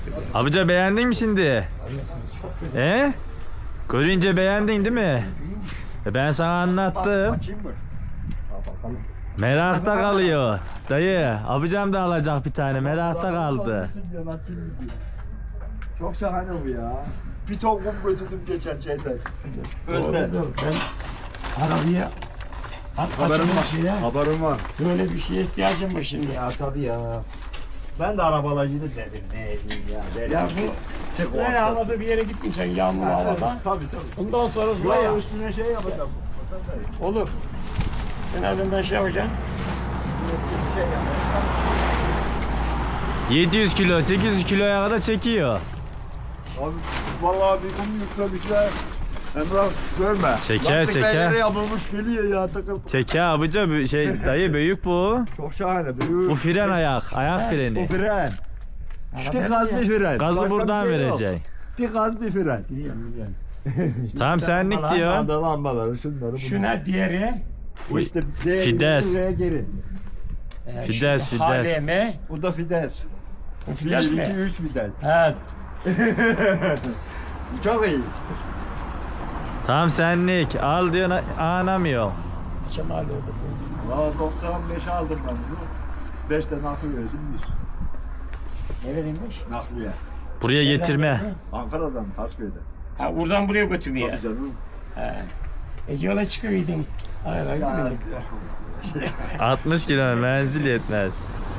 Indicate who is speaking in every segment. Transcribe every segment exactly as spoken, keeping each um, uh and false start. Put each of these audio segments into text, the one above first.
Speaker 1: güzel.
Speaker 2: Abica beğendin mi şimdi?
Speaker 1: Çok güzel.
Speaker 2: He? Görünce beğendin değil mi? E ben sana anlattım.
Speaker 3: Açayım mı? Ha, bakalım.
Speaker 2: Merakta kalıyor. Dayı, abicam da alacak bir tane. Merakta kaldı.
Speaker 3: Çok şahane bu ya. Bir ton kum götürdüm geçen şeyden. Özde.
Speaker 1: Doğrudur. Ben arabaya at
Speaker 3: Haberim
Speaker 1: açılmış
Speaker 3: var.
Speaker 1: şeye.
Speaker 3: Haberim var.
Speaker 1: Böyle bir şeye ihtiyacım var şimdi.
Speaker 3: Ya tabii ya. Ben de arabalacıydı dedim ne edeyim ya. Dedim.
Speaker 1: Ya bu
Speaker 3: Tek o
Speaker 1: böyle
Speaker 3: hafta.
Speaker 1: havada bir yere gitmeyeceksin yağmur
Speaker 3: Ha,
Speaker 1: havada.
Speaker 3: Tabii tabii.
Speaker 1: Ondan sonra
Speaker 3: Ya
Speaker 1: ya.
Speaker 3: üstüne şey yapacağım.
Speaker 1: Olur. Sen adından şey yapacaksın.
Speaker 3: Bir şey yapacağım.
Speaker 2: yedi yüz kilo, sekiz yüz kiloya kadar çekiyor.
Speaker 3: Abi vallahi bir kum yüklemişler. Emrah görme.
Speaker 2: Çeker,
Speaker 3: Lastikler
Speaker 2: çeker.
Speaker 3: yere yapılmış geliyor ya takıl.
Speaker 2: Çeke abica bir şey dayı büyük bu.
Speaker 3: Çok şahane. Büyük.
Speaker 2: Bu fren ayak, ayak
Speaker 3: Bu
Speaker 2: freni.
Speaker 3: fren. Bir
Speaker 1: Araba
Speaker 3: gaz
Speaker 1: ya.
Speaker 3: bir fren.
Speaker 2: Gazı
Speaker 3: Başka bir
Speaker 2: buradan
Speaker 3: şey yok.
Speaker 2: verecek.
Speaker 3: Bir gaz bir fren.
Speaker 1: Biliyorum biliyorum.
Speaker 2: Tamam senlik diyor.
Speaker 3: Anda lambaları şunları bunları.
Speaker 1: Şuna diğeri.
Speaker 3: Bu işte D,
Speaker 2: Fides.
Speaker 3: buraya geri.
Speaker 1: e,
Speaker 2: Fides,
Speaker 1: şu
Speaker 2: Fides.
Speaker 1: H L M.
Speaker 3: Bu da Fides.
Speaker 1: Bu Fides
Speaker 3: bir,
Speaker 1: mi?
Speaker 3: iki, üç Fides.
Speaker 1: Evet.
Speaker 3: Çok iyi.
Speaker 2: Tamam senlik. Al diyor anamıyor.
Speaker 1: Akşam alıyordu.
Speaker 3: Valla doksan beş aldım ben bunu. beş de nakliye verdim bir.
Speaker 1: Neredeymiş?
Speaker 3: Nakliye.
Speaker 2: Buraya getirme.
Speaker 3: Ankara'dan, Hasköy'den.
Speaker 1: Ha buradan buraya götürmeye.
Speaker 3: Tabii canım.
Speaker 1: Ha. E yola çıkıydın. Hayır hayır.
Speaker 3: Ya,
Speaker 1: gitmedin.
Speaker 2: altmış kilo menzil yetmez.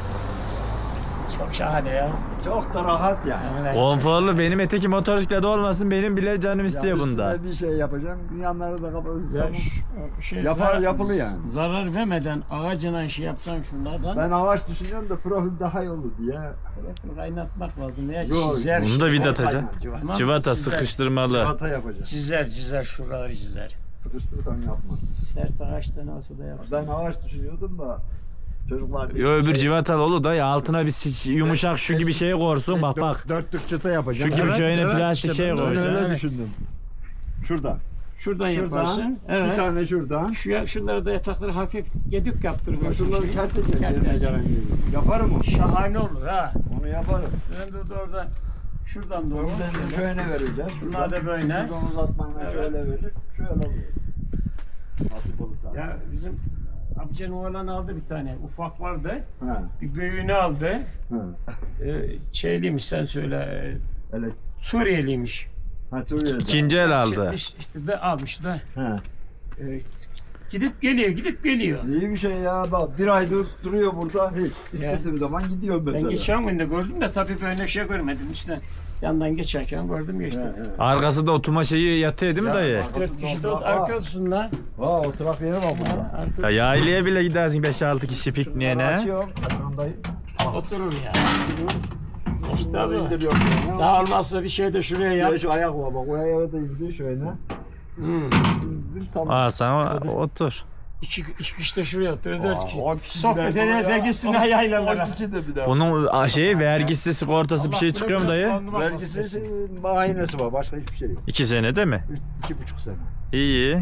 Speaker 1: Çok şahane ya.
Speaker 3: çok da rahat yani.
Speaker 1: Evet.
Speaker 2: Konforlu benim eteki motosiklete olmasın benim bile canım istiyor
Speaker 3: Ya
Speaker 2: bunda.
Speaker 3: üstüne bir şey yapacağım. Yanları da kapatacağım.
Speaker 1: Ya şu, şey,
Speaker 3: Yapar
Speaker 1: zarar-
Speaker 3: yapılı yani.
Speaker 1: Zarar vermeden ağacına şey yapsan şunlardan.
Speaker 3: Ben ağaç düşünüyorum da profil daha iyi olur diye.
Speaker 1: Tarafını kaynatmak lazım ya.
Speaker 3: Yok,
Speaker 1: Çizer.
Speaker 2: Bunu da
Speaker 1: şey-
Speaker 2: vida atacak.
Speaker 3: Civata.
Speaker 1: Tamam,
Speaker 2: Civata
Speaker 1: çizer.
Speaker 2: sıkıştırmalı.
Speaker 3: Civata yapacağım.
Speaker 1: Çizer çizer şuraları çizer.
Speaker 3: Sıkıştırırsan yapma.
Speaker 1: Sert ağaçtan olsa da yapsın.
Speaker 3: Ben ağaç düşünüyordum da çocuklar...
Speaker 2: Yo öbür civatalı olur da ya altına bir si- yumuşak şu gibi şey korsun bak bak.
Speaker 3: Dörtlük çıta yapacağım.
Speaker 2: Şu gibi şöyle plastik şey
Speaker 3: ben de
Speaker 2: koyacaksın.
Speaker 3: öyle
Speaker 1: Evet.
Speaker 3: düşündüm. Şuradan.
Speaker 1: Şuradan yaparsın.
Speaker 3: Şuradan.
Speaker 1: Evet.
Speaker 3: Bir tane şuradan.
Speaker 1: Şu ya- şunları da yatakları hafif gedük yaptırırsın.
Speaker 3: Şunları kerteceğim.
Speaker 1: Kerteceğim.
Speaker 3: yerine gelen gibi. Yaparım onu.
Speaker 1: Şahane olur ha.
Speaker 3: Onu yaparım.
Speaker 1: Ben de oradan şuradan doğru.
Speaker 3: Buradan şöyle vereceğiz.
Speaker 1: Şunlar da böyle.
Speaker 3: Şuradan uzatmayla
Speaker 1: Evet.
Speaker 3: şöyle verir. Şöyle alıyor. Nasip olursa.
Speaker 1: Ya bizim amcanın oğlan aldı bir tane. Ufak vardı.
Speaker 3: Ha.
Speaker 1: Bir büyüğünü aldı.
Speaker 3: Ha.
Speaker 1: Ee, şeyliymiş sen söyle. e,
Speaker 3: Öyle.
Speaker 1: Suriyeliymiş.
Speaker 3: Ha Suriye'de.
Speaker 2: İkinci el aldı.
Speaker 1: Şeymiş, İşte de almış da.
Speaker 3: Ha.
Speaker 1: e, gidip geliyor, gidip geliyor.
Speaker 3: İyi bir şey ya. Bak bir aydır duruyor burada. Hiç. İstediğim zaman gidiyorum
Speaker 1: Ben
Speaker 3: mesela.
Speaker 1: geçen gün de gördüm de tabii böyle şey görmedim işte. Yandan geçerken gördüm geçtim.
Speaker 3: He, he.
Speaker 2: Arkasında oturma şeyi yatıyor değil mi dayı?
Speaker 1: Dört kişi de
Speaker 3: Aa.
Speaker 1: arkasında.
Speaker 3: Vaa oturak yeri var burada.
Speaker 2: Ya yaylaya bile gidersin beş altı kişi pikniğe
Speaker 3: Şunları
Speaker 2: ne?
Speaker 3: açıyorum. Hasan dayı.
Speaker 1: Oturur ya. İşte
Speaker 3: Bunları
Speaker 1: bu.
Speaker 3: indiriyorum. böyle.
Speaker 1: Daha olmazsa bir şey de şuraya yap.
Speaker 3: Ya şu ayak var bak. O ayağı da indir şöyle.
Speaker 1: Hmm.
Speaker 3: İndir tamam.
Speaker 2: Aa sana otur.
Speaker 1: İki, iki kişi de şuraya oturur, dört
Speaker 3: Aa,
Speaker 1: kişi.
Speaker 3: on kişi
Speaker 1: Sohbet
Speaker 3: bile
Speaker 1: ede
Speaker 3: ya.
Speaker 1: de gitsinler yaylalara.
Speaker 3: on kişi de bir daha.
Speaker 2: Bunun a, şeyi vergisi sigortası bir şey çıkıyor mu dayı?
Speaker 3: Vergisi şey, mahinesi var. Başka hiçbir şey yok.
Speaker 2: İki sene değil mi?
Speaker 3: Üç, iki buçuk sene.
Speaker 2: İyi.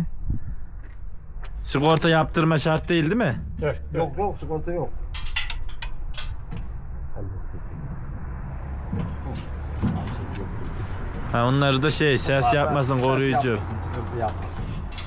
Speaker 2: Sigorta yaptırma şart değil değil mi?
Speaker 1: Dört, dört.
Speaker 3: Yok yok sigorta yok.
Speaker 2: Ha onları da şey ses yapmasın
Speaker 3: Ses
Speaker 2: koruyucu.
Speaker 3: yapmasın, tıkırtı yapmasın.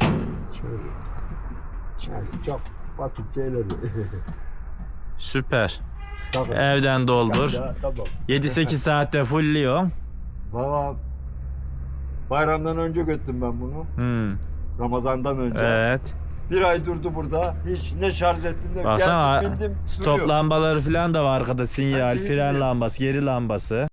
Speaker 3: Yani çok basit şeyler.
Speaker 2: Süper.
Speaker 3: Tabii.
Speaker 2: Evden doldur.
Speaker 3: Ya, tamam.
Speaker 2: yedi sekiz saatte fullliyor.
Speaker 3: Valla bayramdan önce götürdüm ben bunu.
Speaker 2: Hmm.
Speaker 3: Ramazandan önce.
Speaker 2: Evet.
Speaker 3: Bir ay durdu burada. Hiç ne şarj ettim de
Speaker 2: Baksana
Speaker 3: geldim bindim.
Speaker 2: stop
Speaker 3: duruyor.
Speaker 2: lambaları falan da var arkada. Sinyal,
Speaker 3: Her şeyi
Speaker 2: fren
Speaker 3: biliyorum.
Speaker 2: lambası, geri lambası.